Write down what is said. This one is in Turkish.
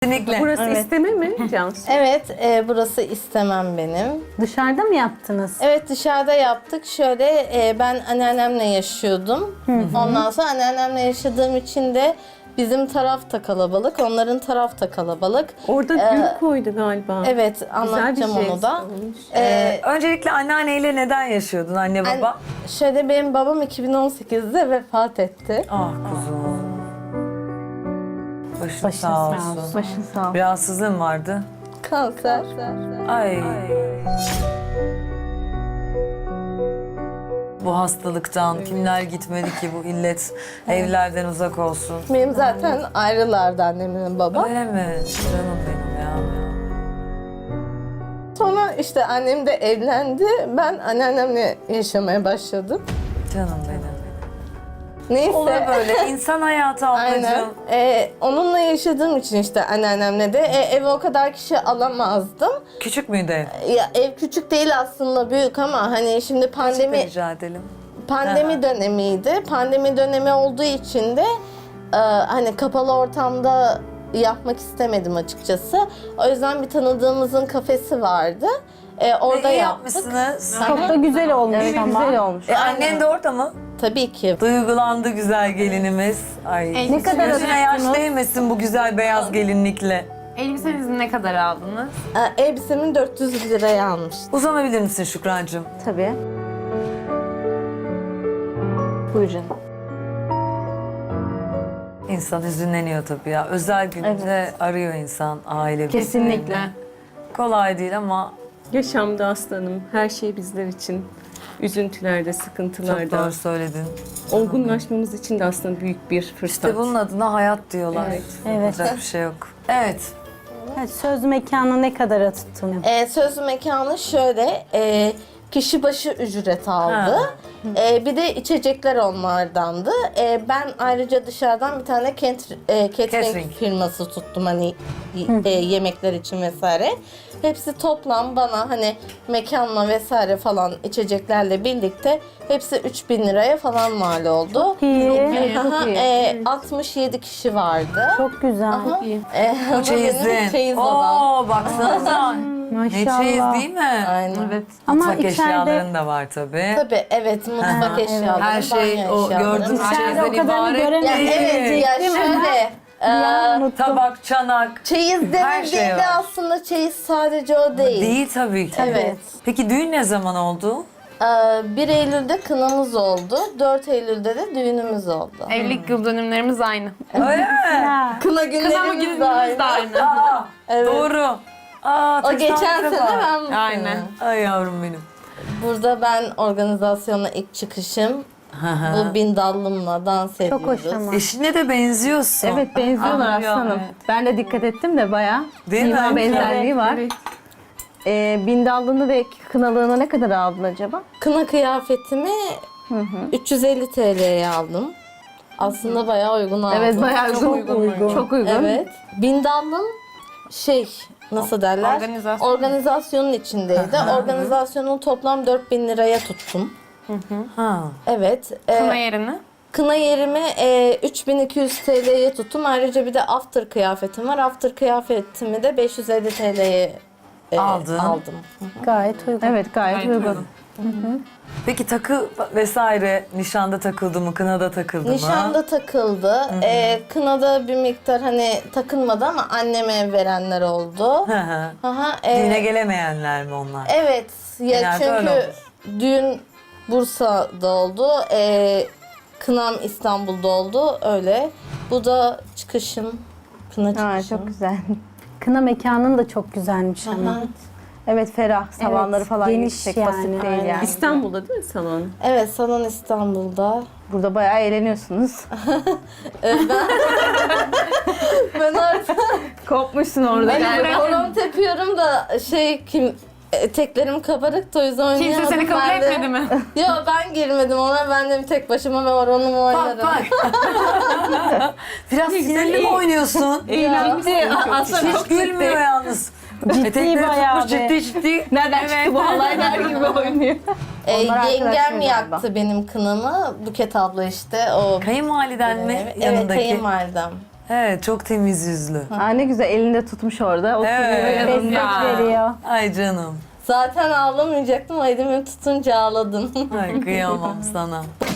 Kesinlikle. Burası Evet. isteme mi Cansu? Evet, burası istemem benim. Dışarıda mı yaptınız? Evet, dışarıda yaptık. Şöyle ben anneannemle yaşıyordum. Ondan sonra anneannemle yaşadığım için de bizim taraf da kalabalık, onların taraf da kalabalık. Orada gül koydu galiba. Evet, Güzel bir anlatacağım şey onu da. olmuş. Öncelikle anneanneyle neden yaşıyordun anne baba? Şöyle benim babam 2018'de vefat etti. Ah kuzum. Başın Başın sağ olsun. Başın sağ ol. Bir rahatsızlığın vardı. Kanser. Ay. Bu hastalıktan kimler gitmedi ki bu illet evlerden uzak olsun. Benim zaten ayrılardı annemle babam. Öyle mi? Canım benim ya. Sonra işte annem de evlendi. Ben anneannemle yaşamaya başladım. Canım benim. Neyse. Olur böyle insan hayatı Aynen. ablacığım. Onunla yaşadığım için işte anneannemle de eve o kadar kişi alamazdım. Küçük müydü ev? Ya ev küçük değil aslında, büyük ama hani şimdi pandemi Rica edelim. dönemiydi. Pandemi dönemi olduğu için de hani kapalı ortamda yapmak istemedim açıkçası. O yüzden bir tanıdığımızın kafesi vardı. Orada İyi yaptık. yapmışsınız. Çok da güzel olmuş ama. Güzel olmuş. Annen de orada mı? Tabii ki. Duygulandı güzel gelinimiz. Ay. Ne kadar Gözüne yaş ödediniz? değmesin bu güzel beyaz gelinlikle. Elbisenizi ne kadar aldınız? Elbisemin 400 liraya almıştım. Uzanabilir misin Şükrancığım? Tabii. Buyur canım. İnsan hüzünleniyor tabii ya. Özel günde arıyor insan aile Kesinlikle. bireylerini. Kolay değil ama Yaşamda aslanım. Her şey bizler için. Üzüntülerde, çok sıkıntılarda. doğru söyledin. Olgunlaşmamız için de aslında büyük bir fırsat. İşte bunun adına hayat diyorlar. Evet. Evet. Yapacak bir şey yok. Evet. Evet, söz mekanı ne kadara tuttun? Söz mekanı şöyle, kişi başı ücret aldı. Ha. Bir de içecekler onlardandı. Ben ayrıca dışarıdan bir tane catering Catering. firması tuttum hani yemekler için vesaire. Hepsi toplam bana hani mekanla vesaire falan içeceklerle birlikte hepsi 3000 liraya falan mal oldu. İyi. Aha, 67 kişi vardı. Çok güzel. Bu çeyizin. Çeyiz odam. Oo baksanıza. Ne Maşallah. çeyiz değil mi? Aynen. Evet. Ama Mutfak içeride eşyaların da var tabii. Tabii evet, mutfak eşyaları, Her şey banyo o eşyaları. gördüğünüz İçeride çeyizden o kadarını ibaret göremedim. Ya değil. evet ya Değil mi? şöyle. Ya, unuttum. Tabak, çanak. Çeyiz Her şey denildiğinde var. aslında çeyiz sadece o değil. Değil tabii ki. Evet. Peki düğün ne zaman oldu? 1 Eylül'de kınamız oldu. 4 Eylül'de de düğünümüz oldu. Evlilik yıl dönümlerimiz aynı. Öyle mi? Ha. Kına Kınama günlerimiz de günümüz de aynı. aynı. Aa, Evet. doğru. Aa, O geçen tesadüfe sene bak. ben bu Aynen. sene. Ay yavrum benim. Burada ben organizasyona ilk çıkışım. Bu bindallımla dans ediyoruz. Çok hoş ama. Eşine de benziyorsun. Evet benziyorlar Anlıyor, aslanım. evet. Ben de dikkat ettim de bayağı. Değil mi? Sima benzerliği var. Evet. Bindallığını ve kınalığını ne kadar aldın acaba? Kına kıyafetimi 350 TL'ye aldım. Aslında bayağı uygun aldım. Evet bayağı Çok uygun. Çok uygun. Evet. Bindallım nasıl derler? Organizasyon. Organizasyonun içindeydi. Organizasyonu toplam 4000 liraya tuttum. Ha. Evet. Kına yerini. Kına yerimi 3200 TL'ye tuttum. Ayrıca bir de after kıyafetim var. After kıyafetimi de 550 TL'ye Aldın. aldım. Gayet uygun. Evet gayet uygun. Peki takı vesaire nişanda takıldı mı, kınada takıldı mı? Nişanda takıldı. Kınada bir miktar hani takılmadı ama anneme verenler oldu. Hı hı. Aha, Düğüne gelemeyenler mi onlar? evet. Ya Genelde öyle çünkü olur. düğün Bursa'da oldu. Kınam İstanbul'da oldu. Öyle. Bu da çıkışım. Kına Ha, çıkışım. çok güzel. Kına mekanın da çok güzelmiş ama. Aha. Evet ferah. Savanları falan geniş yüksek. yani, Basit değil aynen. yani. İstanbul'da değil mi salon? Evet, salon İstanbul'da. Burada bayağı eğleniyorsunuz. Ben artık Kopmuşsun orada. hani horon tepiyorum da teklerim kabarık da o yüzden Kimse oynayamadım. seni kabul Ben de- etmedi mi? Yo, ben girmedim ona, ben de tek başıma ve horonumu oynarım. Bak bak. Biraz sinirli mi oynuyorsun? Hiç gülmüyor yalnız. Etekleri bayağı tutmuş be. ciddi. Nereden çıktı bu halay der gibi oynuyor. Onlar Yengem arkadaşlar yaktı galiba. benim kınamı. Buket abla işte o. Kayınvaliden mi Evet, yanındaki? kayınvalidem. Evet, çok temiz yüzlü. Aa, ne güzel elinde tutmuş orada. Oturuyor Evet. yanında. Destek veriyor. Ay canım. Zaten ağlamayacaktım. Elimi tutunca ağladım. Ay kıyamam sana.